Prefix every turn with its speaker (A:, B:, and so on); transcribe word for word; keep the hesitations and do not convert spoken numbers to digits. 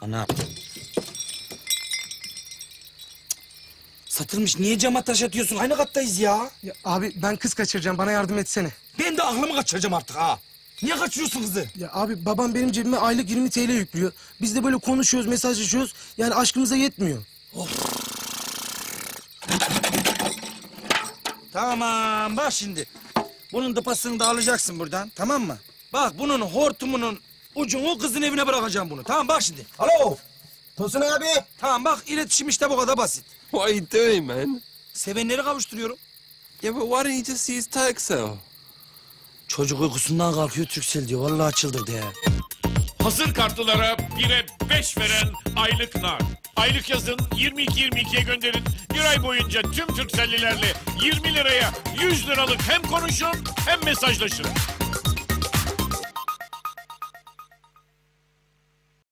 A: Ana. Satılmış. Niye cama taş atıyorsun? Aynı kattayız ya.
B: Ya abi ben kız kaçıracağım, bana yardım etsene.
A: Ben de aklımı kaçıracağım artık ha. Niye kaçırıyorsun kızı?
B: Ya abi babam benim cebime aylık yirmi TL yüklüyor. Biz de böyle konuşuyoruz, mesajlaşıyoruz. Yani aşkımıza yetmiyor.
A: Tamam bak şimdi. Bunun dıpasını da alacaksın buradan, tamam mı? Bak bunun hortumunun ucunu kızın evine bırakacağım bunu. Tamam bak şimdi.
C: Alo. Tosun abi.
A: Tamam bak iletişim işte bu kadar basit.
D: What are you doing, man?
A: Sevenleri kavuşturuyorum.
D: Yeah, but why don't you just use Turkcell?
A: Çocuk uykusundan kalkıyor Turkcell diyor. Vallahi çıldırdı ya.
E: Hazır kartlılara bire beş veren aylık nar. Aylık yazın yirmi iki yirmi ikiye gönderin. Bir ay boyunca tüm Turkcell'lilerle yirmi liraya yüz liralık hem konuşun hem mesajlaşın.